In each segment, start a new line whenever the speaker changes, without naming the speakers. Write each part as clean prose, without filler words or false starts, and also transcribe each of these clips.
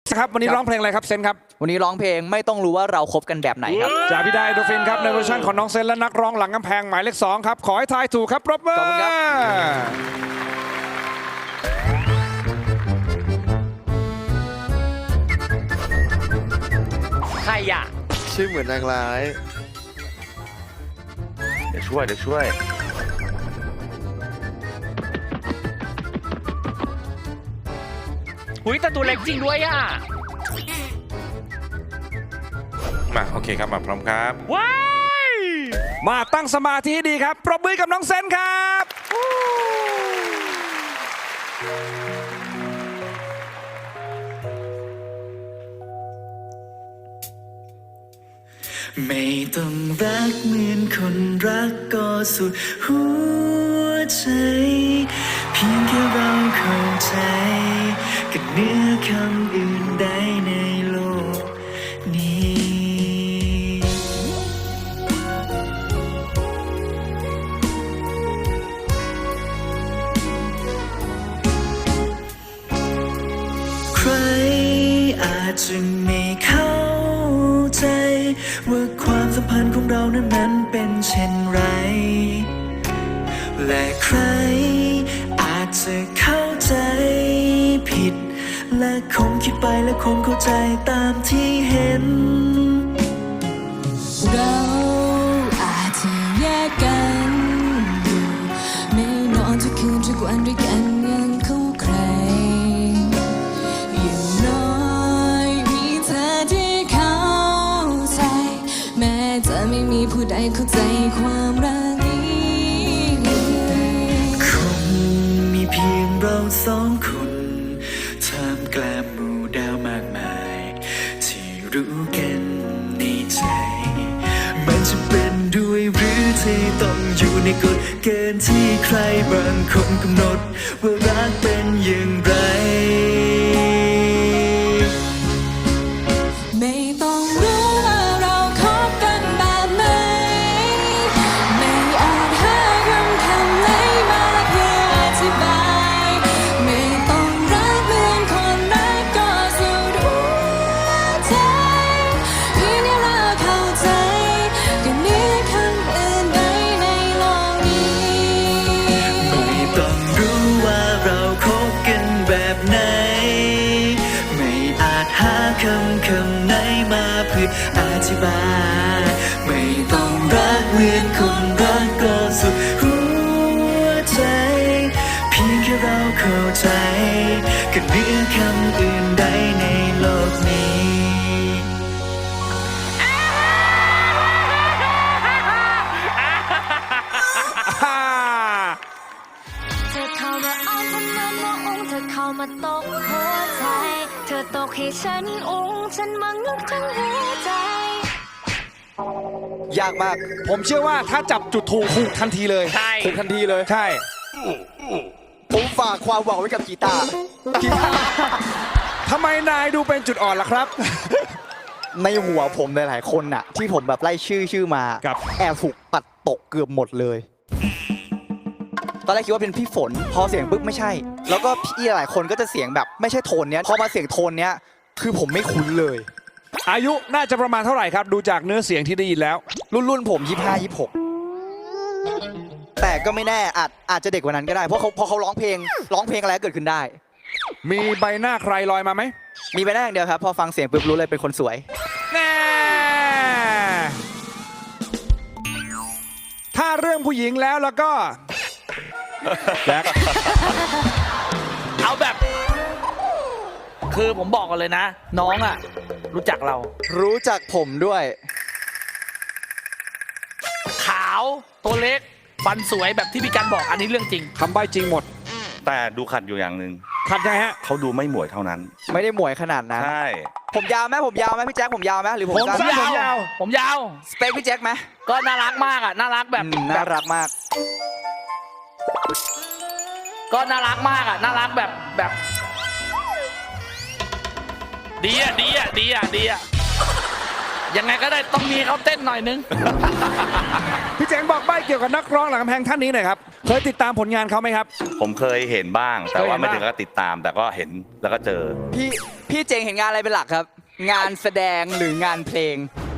ครับวันนี้ร้องเพลงอะไรครับเซนครับ
วันนี้ร้องเพลงไม่ต้องรู้ว่าเราคบกันแบบไหนครับ
จากพี่ได้โดฟินครับในเวอร์ชันของน้องเซนและนักร้องหลังกำแพงหมายเลข2ครับขอให้ทายถูกครับปรบมือ
ขอบคุณครับ
ใครอ่ะ
ชื่อเหมือนนางร้ายเดี๋ยวช่วย
หุยแต่ตัวเล็กจริงด้วยอ่ะ
มาโอเคครับมาพร้อมครับ
ว้าย
มาตั้งสมาธิให้ดีครับปรบมือกับน้องเซนครับ
ไม่ต้องรักเหมือนคนรักก็สุดหัวใจเพียงแค่เราเข้าใจกับเนื้อคำอื่นใดในโลกนี้ใครอาจจะไม่เข้าใจว่าความสัมพันธ์ของเรานั้นเป็นเช่นไรและใครอาจจะเข้าใจผิดและคงคิดไปและคงเข้าใจตามที่เห็น
เราอาจจะแยกกันอยู่ไม่นอนทุกคืนทุกวันด้วยกันยังคู่ใครอย่างน้อยมีเธอที่เข้าใจแม้จะไม่มีผู้ใดเข้าใจความรักนี้
คงมีเพียงเราสองคนท่ามกลางหมู่ดาวมากมายที่รู้กันในใจมันจะเป็นด้วยหรือที่ต้องอยู่ในกฎเกณฑ์ที่ใครบางคนกำหนดว่ารักเป็นอย่างไร
ไม่ต้องรู้ว่าเราคบกันแบบไหนไม่อาจหาคำไหนมาเพื่ออธิบายไม่ต้องรักเหมือนคนรักก็สุดหัวใจเพียงแค่เราเข้าใจกันเนื้อคำอื่นใดในโลกนี้
ไม่ต้องรู้ว่าเราคบกันแบบไหนไม่อาจหาคำไหนมาเพื่ออธิบายไม่ต้องรักเหมือนคนรักก็สุดหัวใจเพียงแค่เราเข้าใจกับเนื้อคำอื่นใดในโลกนี้
เธอเข้ามาอ้อนฉันมาโมองเธอเข้ามาตกหัวใจเธอตกให้ฉันฉันมังลุกทั้งหัวใจ
ยากมาก
ผมเชื่อว่าถ้าจับจุดถูกทันทีเลย
ใช่
ถูกทันทีเลย
ใช่
ผมฝากความหวังไว้กับกีตาร์
ทำไมนายดูเป็นจุดอ่อนล่ะครับ
ในหัวผมหลายๆคนน่ะที่ผมแบบไล่ชื่อมา
ครับ
แอบถูกปัดตกเกือบหมดเลย ตอนแรกคิดว่าเป็นพี่ฝนพอเสียงปุ๊บไม่ใช่ แล้วก็พี่หลายคนก็จะเสียงแบบไม่ใช่โทนเนี้ยพอมาเสียงโทนเนี้ยคือผมไม่คุ้นเลย
อายุน่าจะประมาณเท่าไหร่ครับดูจากเนื้อเสียงที่ได้ยินแล้ว
รุ่นผม25-26แต่ก็ไม่แน่อาจจะเด็กกว่านั้นก็ได้เพราะเขาร้องเพลงอะไรก็เกิดขึ้นได้
มีใบหน้าใครลอยมาไหม
มีไปได้อย่างเดียวครับพอฟังเสียงปุ๊บรู้เลยเป็นคนสวย
แน่ถ้าเรื่องผู้หญิงแล้วก็แจ็ค
เอาแบบ คือผมบอกกันเลยนะ น้องอ่ะ รู้จักเรา
รู้จักผมด้วย
ขาวตัวเล็ก ฟันสวยแบบที่พี่กันบอกอันนี้เรื่องจริง
คำใบ้จริงหมด
แต่ดูขัดอยู่อย่างหนึ่ง
ขัดยังไงฮะ
เขาดูไม่หมวยเท่านั้น
ไม่ได้หมวยขนาดนั้น
ใช่
ผมยาวไหมพี่แจ็คผมยาวไหมหรือผม
ผม
สั้น
สั้น ยาว
ผมยาว
สเปคพี่แจ็คไหม
ก็น่ารักมากอ่ะ น่ารักแบบ
น่ารักมาก
ก็น่ารักมากอ่ะ น่ารักแบบ ดีอ่ะ ยังไงก็ได้ต้องมีเขาเต้นหน่อยนึง
พี่เจ๋งบอกใบ้เกี่ยวกับนักร้องหลังกำแพงท่านนี้หน่อยครับเคยติดตามผลงานเขาไหมครับ
ผมเคยเห็นบ้าง แต่ว่าไม่ถึงกับติดตาม แต่ก็เห็นแล้วก็เจอ
พี่พี่เจงเห็นงานอะไรเป็นหลักครับ งานแสดงหรืองานเพลง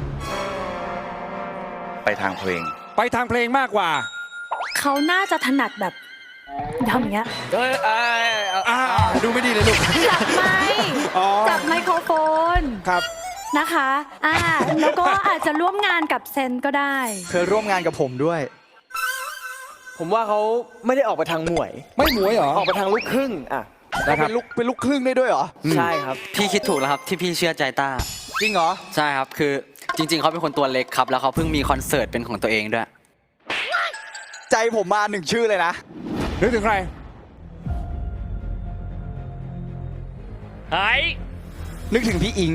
ไปทางเพลง
ไปทางเพลงมากกว่า
เขาน่าจะถนัดแบบทำอย่างเงี้ย
ดูไม่ดีเลยลูก
จับไมค์
อ๋อ
จับไมโครโฟน
ครับ
นะคะแล้วก็อาจจะร่วมงานกับเซนก็ได้
เคยร่วมงานกับผมด้วย
ผมว่าเขาไม่ได้ออกไปทางหมวย
ไม่หมวยเหรอ
ออกไปทางลูกครึ่งอ่ะ
นะครับ
เป็นลูกครึ่งได้ด้วยเหรอ
ใช่ครับ
พี่คิดถูกแล้วครับที่พี่เชื่อใจต้า
จริงเหรอ
ใช่ครับคือจริง ๆเขาเป็นคนตัวเล็กครับ แล้วเขาเพิ่งมีคอนเสิร์ตเป็นของตัวเองด้วย
ใจผมมาหนึ่งชื่อเลยนะ
นึกถึงใคร
เฮ้ย
นึกถึงพี่อิง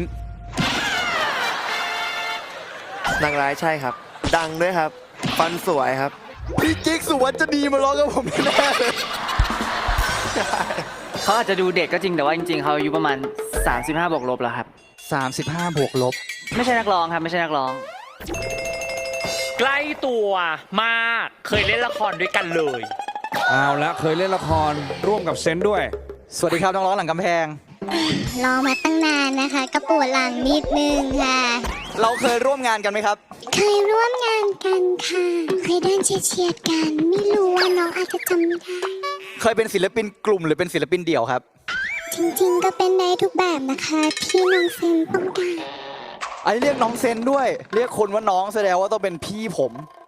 นางร้ายใช่ครับ ดังด้วยครับ ฟันสวยครับ
พี่กิ๊กสุวัจนีมาร้องกับผมแน่เลย
เขาอาจจะดูเด็กก็จริงแต่ว่าจริง ๆเขาอายุประมาณ 35 บวกลบแล้วครับ
35 บวกลบ
ไม่ใช่นักร้องครับไม่ใช่นักร้อง
ใกล้ตัวมากเคยเล่นละครด้วยกันเลย
เอาละเคยเล่นละครร่วมกับเซนด้วย
สวัสดีครับน้องร้องหลังกำแพง
รอมาตั้งนานนะคะกระปวดหลังนิดนึงค่ะ
เราเคยร่วมงานกันไหมครับ
เคยร่วมงานกันค่ะ เคยเดินเฉียดๆกัน ไม่รู้ว่าน้องอาจจะจำไม่ได้
เคยเป็นศิลปินกลุ่มหรือเป็นศิลปินเดี่ยวครับ
จริงๆก็เป็นได้ทุกแบบนะคะที่น้องเซนต้องการ
ไอ้เรียกน้องเซนด้วย เรียกคนว่าน้องแสดงว่าต้องเป็นพี่ผม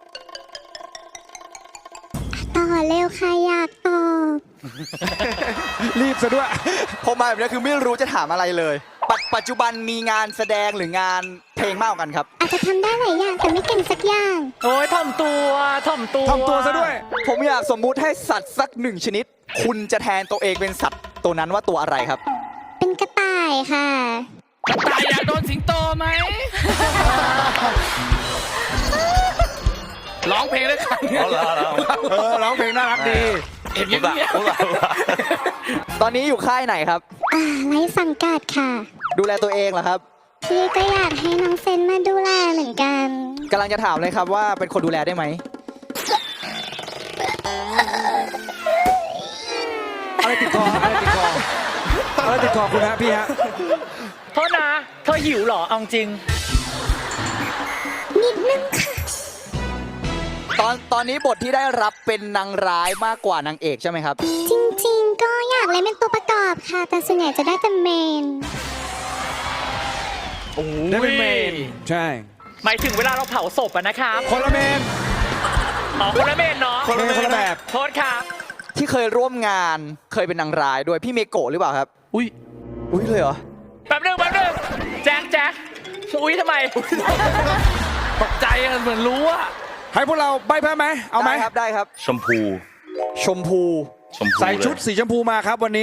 ต่อเร็วค่ะอยากตอบ
รีบซะด้วย
พอมาแบบนี้คือไม่รู้จะถามอะไรเลย ปัจจุบันมีงานแสดงหรืองานเพลงมากกว่ากันครับ
อาจจะทำได้หลายอย่างแต่ไม่เก่งสักอย่าง
โอ้ยถ่อมตัวถ่อมตัว
ทำตัวซะด้วย
ผมอยากสมมุติให้สัตว์สักหนึ่งชนิด คุณจะแทนตัวเองเป็นสัตว์ตัวนั้นว่าตัวอะไรครับ
เป็นกระต่ายค่ะ
ตายอยากโดนสิงโตไหม ร้องเพลงด้วยกัน
ร้องเพลงน่ารักดี
เห็นเงี้ย
ตอนนี้อยู่ค่ายไหนครับ
ไร้สังกัดค่ะ
ดูแลตัวเองเหรอครับ
พี่ก็อยากให้น้องเซนมาดูแลเหมือนกัน
กำลังจะถามเลยครับว่าเป็นคนดูแลได้ไหม
อะไรติดคออะไรติดคออะไรติดคอคุณฮะพี่ฮะ
โทษนะเธอหิวเหรอเอาจริง
นิดนึงค่ะ
ตอนนี้บทที่ได้รับเป็นนางร้ายมากกว่านางเอกใช่ไหมครับ
จริงๆ ก็อยากเล่นเป็นตัวประกอบค่ะ แต่ส่วนใหญ่จะได้แต่เมน
ได้เป็นเมน ใช่
หมายถึงเวลาเราเผาศพอะนะครับ
คนละเมน
อ๋อคนละเมนเนาะ
คนละแบบ
โทษครับ
ที่เคยร่วมงานเคยเป็นนางร้ายด้วยพี่เมโกะหรือเปล่าครับ
อุ้ย
อุ้ยเลยเหรอ
แป๊บนึงแจ็คอุ้ยทำไมตกใจอะเหมือนรู้อะ
ให้พวกเราใบแพ้ไหม เอาไหม
ได้ครับได้ครับ
ชมพู
ชมพู
ชมพู
ใส่ชุด
เลย
สีชมพูมาครับวันนี้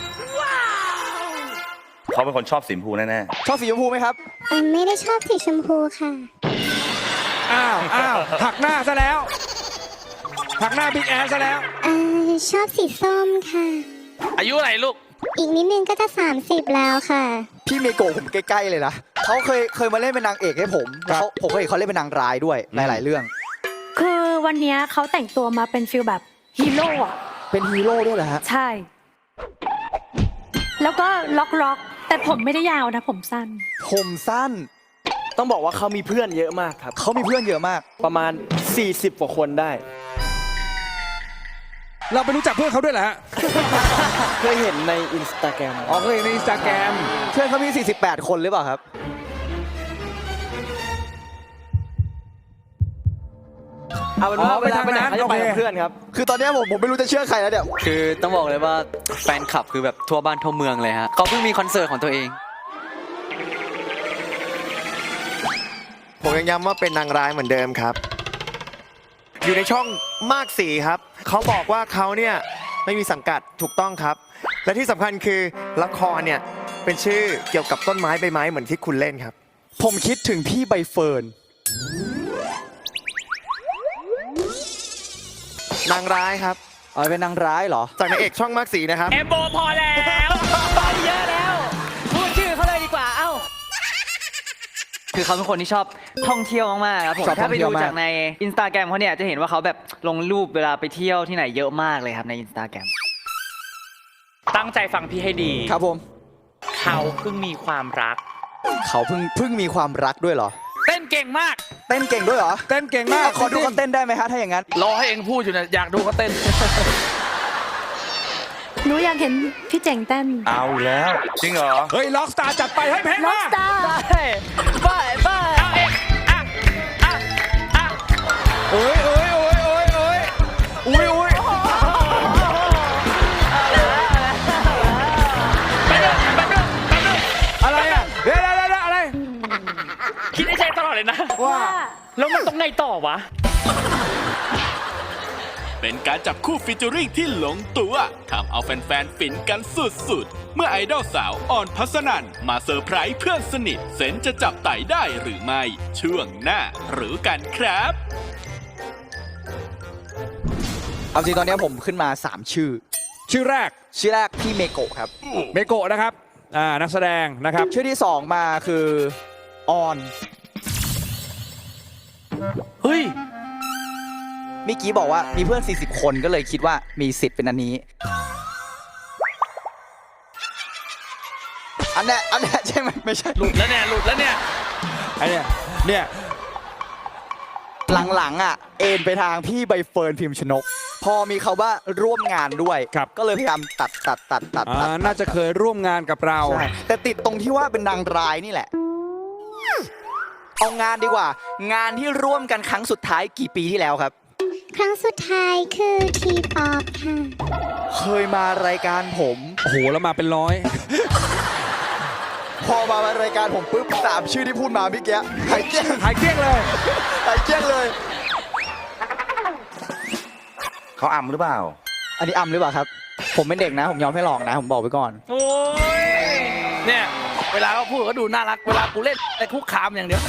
เขาเป็นคนชอบสีชมพูแน่
ชอบสีชมพูไหมครับ
ไม่ได้ชอบสีชมพูค่ะ
อ้าวหักหน้าซะแล้ว หักหน้าบิ๊กแอนซะแล้ว
ชอบสีส้มค่ะ
อายุไหนลูก
อีกนิดนึงก็จะ 30 แล้วค่ะ
พี่เมโกะผมใกล้ๆเลยนะเขาเคยมาเล่นเป็นนางเอกให้ผมแล้วผมก็เห็นเขาเล่นเป็นนางร้ายด้วยหลายๆเรื่อง
คือวันเนี้ยเขาแต่งตัวมาเป็นฟิลแบบฮีโร่อะ
เป็นฮีโร่ด้วยเหรอฮะ
ใช่ แล้วก็ล็อกแต่ผมไม่ได้ยาวนะผมสั้น
ผมสั้น
ต้องบอกว่าเขามีเพื่อนเยอะมากครับ
เขามีเพื่อนเยอะมาก
ประมาณ 40 กว่าคนได้
เราไปรู้จักเพื่อนเขาด้วยเหรอฮะ
เคยเห็นในอินสตาแกรม
อ๋อเคยเห็นในอินสตาแกรม
เพื่อนเขามี 48 คนหรือเปล่าครับ
เอาเป็นว่า
อ๋อ
เวลาไปไหน
ไปทางนั้น
เขาจะไป
โอเค
กับเพื่อนครับ
คือตอนเนี้ยผมไม่รู้จะเชื่อใครแล้วเนี่ย
คือต้องบอกเลยว่าแฟนคลับคือแบบทั่วบ้านทั่วเมืองเลยฮะเขาเพิ่งมีคอนเสิร์ตของตัวเอง
ผมยังย้ำว่าเป็นนางร้ายเหมือนเดิมครับ อยู่ในช่องมากสีครับ เขาบอกว่าเขาเนี่ยไม่มีสังกัดถูกต้องครับ และที่สำคัญคือละครเนี่ยเป็นชื่อเกี่ยวกับต้นไม้ใบไม้เหมือนที่คุณเล่นครับ
ผมคิดถึงพี่ใบเฟิร์น
นางร้ายครับ
เป็นนางร้ายเหรอ
จากนางเอกช่องมากสีนะครับ
เอมโบพอแล้วไปเยอะแล้ว พูดชื่อเขาเลยดีกว่า เอ้า
คือเขาเป็นคนที่ชอบท่องเที่ยวมากๆครับผม
ชอบท่
ถ้า
อง
ไป
เที่
ดู
ยวมาก
จากในอินสตาแกรมเขาเนี่ยจะเห็นว่าเขาแบบลงรูปเวลาไปเที่ยวที่ไหนเยอะมากเลยครับในอินสตาแกรม
ตั้งใจฟังพี่ให้ดี
ครับผม
ค
เขาเพิ่งมีความรัก
เขาเพิ่งมีความรักด้วยเหรอ
เต้นเก่งมาก
เต้นเก่งด้วยเหรอ
เต้นเก่งมาก
ขอดูเขาเต้นได้ไหมฮะถ้าอย่างนั้น
รอให้เองพูดอยู่เนี่ยอยากดูเขาเต้น
หนูอยากเห็นพี่เจ๋งเต้น
เอาอีกแล้ว จริงเหรอ
เฮ้ยล็อกสตาร์จัดไปให้เพลง
ล็อ
มาก
สตาร์
บ้าเอาเองอ่ะอ่ะอ่ะ
โอ้ยโอ้ยโอ้ยโอ้ยโอ้ยอุ้ยอุ้ย
ไปเรื่องไปเรื่องไปเรื่อง
อะไรอ่ะเดี๋ยวอะไร
คิดในใจตลอดเลยนะ
ว่า
แล้วมันต้องไงต่อวะ
เป็นการจับคู่ฟีเจอริ่งที่ลงตัวทำเอาแฟนๆ ฟินกันสุดๆ เมื่อไอดอลสาวออนพัสนันมาเซอร์ไพรส์เพื่อนสนิทเซนจะจับไต่ได้หรือไม่ ช่วงหน้ารู้กันครับ
เอาจริงตอนนี้ผมขึ้นมา 3 ชื่อ
ชื่อแรก
ชื่อแรกพี่เมโกะครับ
เมโกะนะครับนักแสดงนะครับ
ชื่อที่ 2 มาคือออน
เฮ้ย
เมื่อกี้บอกว่ามีเพื่อน 40 คนก็เลยคิดว่ามีสิทธิ์เป็นอันนี้ อันเนี้ยใช่ไหมไม่ใช่
หลุดแล้วเนี่ยหลุดแล้วเนี่ย
ไอเนี่ย
หลังๆอ่ะเอ็นไปทางพี่ใบเฟิร์นพิมพ์ชนก พอมีเขาว่าร่วมงานด้วย
ครับ
ก็เลยพยายามตัด
น่าจะเคยร่วมงานกับเรา
ใช่แต่ติดตรงที่ว่าเป็นนางร้ายนี่แหละ เอางานดีกว่า งานที่ร่วมกันครั้งสุดท้ายกี่ปีที่แล้วครับ
ครั้งสุดท้ายคือทีป๊อปค่ะ
เคยมารายการผม
โอ้โห แล้วมาเป็นร้อย
พอมารายการผมปุ๊บ3 ชื่อที่พูดมาเมื่อกี้หายเกลี้ยง
หายเกลี้ยงเลย
หายเกลี้ยงเลย
เขาอำหรือเปล่า
อันนี้อำหรือเปล่าครับ ผมเป็นเด็กนะ ผมยอมให้หลอกนะ ผมบอกไว้ก่อน
โอ้ย เนี่ย เวลาเขาพูดก็ดูน่ารัก เวลากูเล่นแต่คุกคามอย่างเดียว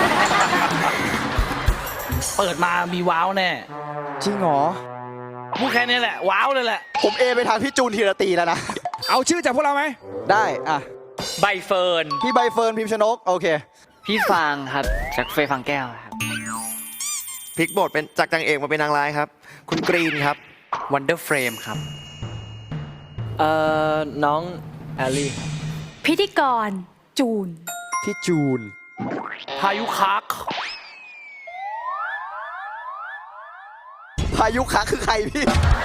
เปิดมามีว้าวแน่
จริงเหรอ
พูดแค่นี้แหละ ว้าวเลยแหละ
ผมเอไปทางพี่จูนธีรตีแล้วนะ
เอาชื่อจากพวกเราไหม
ได้อ่ะ
ใบเฟิร์น
พี่ใบเฟิร์นพิมพ์ชนก โอเค
พี่ฟางครับ จากเฟยฟางแก้วครับ
พลิกบทเป็นจากนางเอกมาเป็นนางร้ายครับ คุณกรีนครับ
วันเดอร์เฟรมครับ น้องแอลลี่
พิธีกรจูน
พี่จูน
พายุคัก
พายุคะคือใครพี่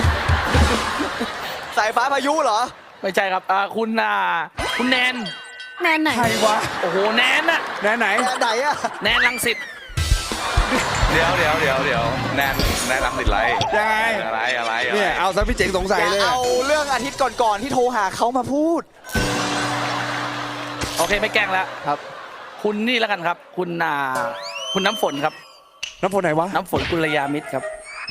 สายฟ้าพายุเหรอ
ไม่ใช่ครับคุณแนน
แนนไหน
ใครวะ
โอ้โห แนนน่ะ
ไหน
ไหนอะ
แนนลังสิต
เดี๋ยวแนนรังสิตไร
ยังไง
อะไร
เนี่ยเอาซะพี่เจ๋งสงสัย
อย่า
เลย
เอาเรื่องอาทิตย์ก่อนๆที่โทรหาเขามาพูด
โอเค ไม่แกล้งแล้ว
ครับ
คุณนี่แล้วกันครับ คุณน้ำฝนครับ
น้ำฝนไหนวะ
น้ำฝนกุลยามิตรครับ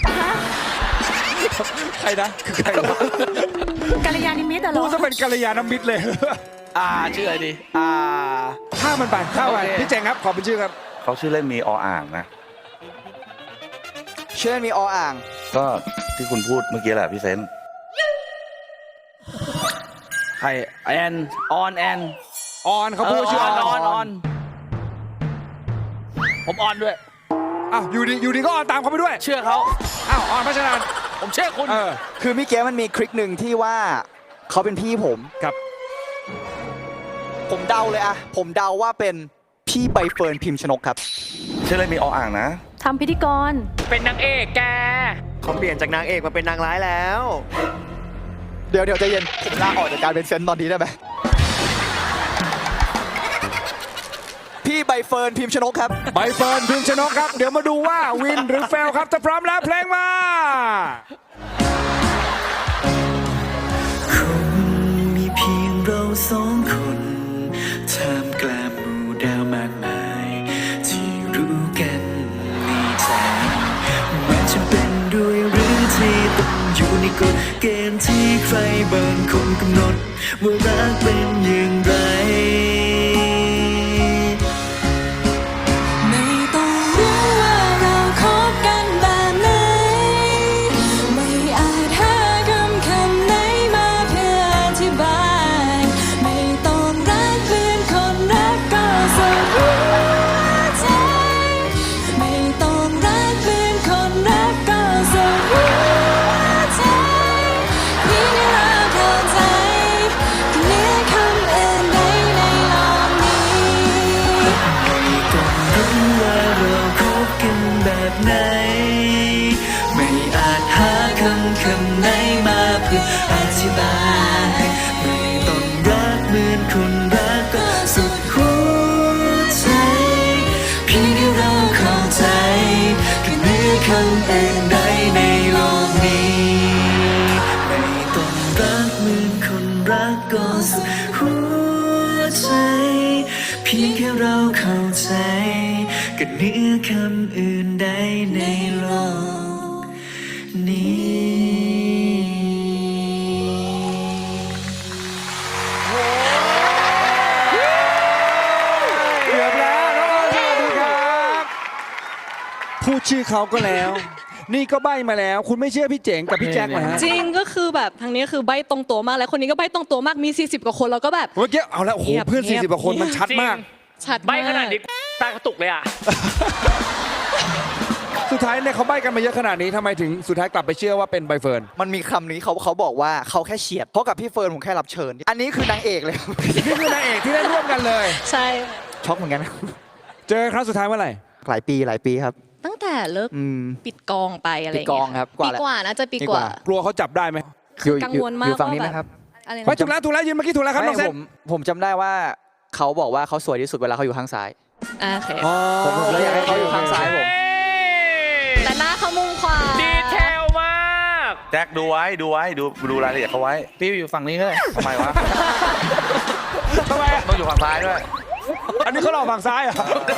ใครนะคือใครวะ
กัลยาณิมิตรเหร
พู
อ
ดซะเป็นกัลยาณมิตรเลย
ชื่ออะไรดี
ข้ามมันไป
โอเค
พี่เจ๋งครับ ขอเป็นชื่อครับ
เขาชื่อเล่นมีออ่างนะ
เชื่อมีออ่าง
ก็ที่คุณพูดเมื่อกี้แหละพี่เซน
ใครแอนออน
ออนเขาพูดว่าชื่อออน
ผมออนด้วย
อ้าวอยู่ดีก็ออนตามเขาไปด้วย
เชื่อเขา
อ้าวออนพัชราน
ผมเชื่อคุณ
คือมิเกมันมีคลิกหนึ่งที่ว่าเขาเป็นพี่ผม
ครับ
ผมเดาเลยอะผมเดาว่าเป็นพี่ใบเฟิร์นพิมพ์ชนกครับ
ชื่อเล่นมีออ่างนะ
ทำพิธีกร
เป็นนางเอกแก
เขาเปลี่ยนจากนางเอกมาเป็นนางร้ายแล้ว
เดี๋ยวใจเย็น ผมลาออกจากการเป็นเซนตอนนี้ได้ไหม พี่ใบเฟิร์นพิมพ์ชนกครับ
ใบเฟิร์นพิมพ์ชนกครับ เดี๋ยวมาดูว่าวินหรือเฟลครับถ้าพร้อมแล้วเพลงมา
คงมีเพียงเรา2 คนท่ามกลางหมู่ดาวมากมาย ที่รู้กันในใจแม้จะเป็นด้วยหรือที่ต้องอยู่ในกฎเกณฑ์ที่ใครบางคนกำหนดว่ารักเป็นอย่างไร
ไม่ต้องรู้ว่าเราคบกันแบบไหน ไม่อาจหาคำไหนมาเพื่ออธิบาย ไม่ต้องรักเพื่อนคนรักก็สุดหัวใจ ไม่ต้องรักเพื่อนคนรักก็สุดหัวใจเพียงเราเข้าใจกันเหนือคำอื่น
พียงแค่เราเข้าใจก็เหนือคำอื่นใดในโลกนี้
เกือบแล้วน้องออนสวัสดีครับพูดชื่อเขาก็แล้ว นี่ก็ใบ้มาแล้ว คุณไม่เชื่อพี่เจ๋งกับพี่แจ็คเหรอฮะ
จริงก็คือแบบทางนี้คือใบตรงตัวมากแล้วคนนี้ก็ใบตรงตัวมากมี 40 กว่าคนแล้วก็แบบ
เมื่อกี้เอาแล้วโอ้โห
เงียบ
เพื่อน
เงียบ
40กว่าคนมันชัดมาก
ชัด
ใบ
มาก
ขนาดนี้ตากระตุกเลยอ่ะ
สุดท้ายเนี่ยเขาใบ้กันมาเยอะขนาดนี้ทำไมถึงสุดท้ายกลับไปเชื่อว่าเป็นใบเฟิร์น
มันมีคำนี้เขาบอกว่าเขาแค่เฉียดเพราะกับพี่เฟิร์นผมแค่รับเชิญ อันนี้คือนางเอกเลย
นี่คือนางเอกที่ได้ร่วมกันเลย
ใช่
ช็อกเหมือนกัน
เจอครั้งสุดท้ายเมื่อไหร่
หลายปีครับ
ตั้งแต่เลิก
อืม
ปิดกองไปอะไรอย่าง
ปิดก
เงี้
อง
ย
ครับ
ปีกว่านะจะปีกว่า
กลัวเขาจับได้ไหม
อยู่
กังวลมาก
อยู่ฝั่งนี้
ว่า
ไหมครับ
อะไร
ไป
นะ
ถูกแล้วยืนเมื่อกี้ถูกแล้วครับน้องเซน
ผมจำได้ว่าเขาบอกว่าเขาสวยที่สุดเวลาเขาอยู่ข้างซ้าย
โอเค
ผมเลยอยากให้เขาอยู่ข้างซ้ายผม
แต่หน้าเขามุมขวา
ดีเทลมาก
แจ็คดูรายละเอียดเขาไว้
พี่อยู่ฝั่งนี้ก็ได้
ทำไมวะ
ทำไมอะ
ต้องอยู่ฝั่งซ้ายด้วย
อันนี้เขาหลอกฝั่งซ้ายเหรอ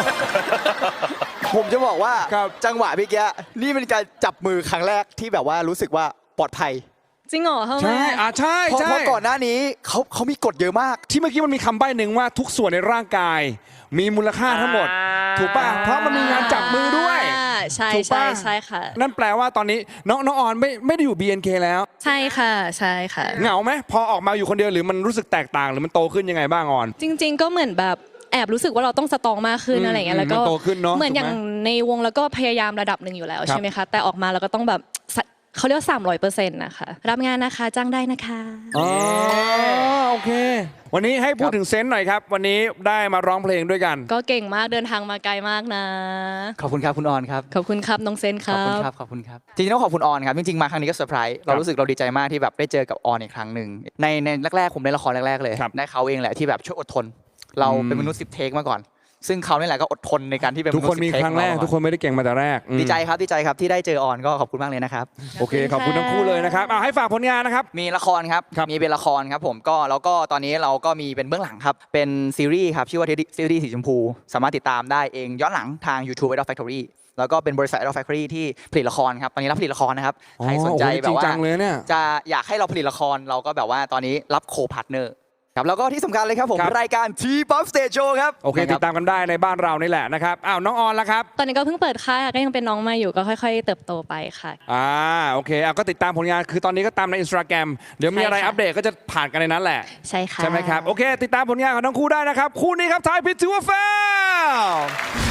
ผมจะบอกว่า
ครับ
จังหวะเมื่อกี้นี่เป็นการจับมือครั้งแรกที่แบบว่ารู้สึกว่าปลอดภัย
จริงเหรอทำไม
ใช่ใช่
เพราะ
ใช่
เพราะก่อนหน้านี้เขามีกฎเยอะมาก
ที่เมื่อกี้มันมีคำใบ้หนึ่งว่าทุกส่วนในร่างกาย มีมูลค่าทั้งหมด ถูกป่ะเพราะมันมีงานจับมือด้วย
ใช่
ถูก
ใช่
ป่ะ
ใช่ค่ะ
นั่นแปลว่าตอนนี้น้องออนไม่ได้อยู่ BNK แล้ว
ใช่ค่ะใช่ค่ะ
เหงาไหมพอออกมาอยู่คนเดียวหรือมันรู้สึกแตกต่างหรือมันโตขึ้นยังไงบ้างออน
จริง ๆ ก็เหมือนแบบแอบรู้สึกว่าเราต้องสตรองมากขึ้นอะไรอย่างเงี้ยแล้วก็
มันโตขึ้นเนอะ
เหมือนอย่าง
ถูกไหม
ในวงแล้วก็พยายามระดับหนึ่งอยู่แล้ว
ครับ
ใช่ไหมคะแต่ออกมาเราก็ต้องแบบเขาเรียกว่า300%นะคะรับงานนะคะจ้างได้นะคะ
อ๋อโอเค วันนี้ให้พูดถึงเซนต์หน่อยครับ วันนี้ได้มาร้องเพลงด้วยกัน
ก็เก่งมากเดินทางมาไกลมากนะ
ขอบคุณครับคุณออนครับ
ขอบคุณครับน้องเซนค
ขอบ
รั
คุณ
บ
ครับขอบคุณครับจริงๆต้องขอบคุณออนครับจริงๆมาครั้งนี้ก็เซอร์ไพรส์เรารู้สึกเราดีใจมากที่แบบได้เจอกับออนอีกครั้งหนึ่งในแรกๆผมเล่นละครแรกๆเลย
ครับ
ได้เขาเองแหละที่แบบช่วยอดทน เราเป็นมนุษย์10 เทคมาก่อน ซึ่งเขานี่แหละก็อดทนในการที่เป็น
ทุกคนมี
10 เท
ครั้งแรก
มา
ทุกคนไม่ได้เก่งมาแต่แรกอืม
ดีใจครับที่ได้เจอออนก็ขอบคุณมากเลยนะครับ
โอเคขอบคุณทั้งคู่เลยนะครับให้ฝากผลงานนะครับ
มีละครครับ
ครับ
มีเป็นละครครับผมก็แล้วก็ตอนนี้เราก็มีเป็นเบื้องหลังครับ เป็นซีรีส์ครับ ชื่อว่าซีรีส์สีชมพู สามารถติดตามได้เองย้อนหลังทาง YouTube Idol Factory แล้วก็เป็นบริษัท Idol Factory ที่ผลิตละครครับ ตอนนี้รับผลิตละครนะครับ ใครสนใจ
โอ้โห
แบบ
จริง
ว่า
จังเลยเนี่ย
จะอยากให้เราผลิตละครเราก็แบบว่าตอนนี้รับโคพาร์ทเนอร์ครับแล้วก็ที่สำคัญเลยครับผม
ครับ
รายการ T-Pop Stage Show ครับ
โอเคติดตามกันได้ในบ้านเรานี่แหละนะครับน้องออนละครับ
ตอนนี้ก็เพิ่งเปิดค่ายค่ะก็ยังเป็นน้องมาอยู่ก็ค่อย ๆ เติบโตไปค่ะ
โอเคก็ติดตามผลงานคือตอนนี้ก็ตามใน Instagram เดี๋ยวมีอะไร
ใช่ค่ะ
อัปเดตก็จะผ่านกันในนั้นแหละ
ใช่ค่ะ
ใช่ไหมครับ โอเค ติดตามผลงานของทั้งคู่ได้นะครับ คู่นี้ครับทายพิททูแฟล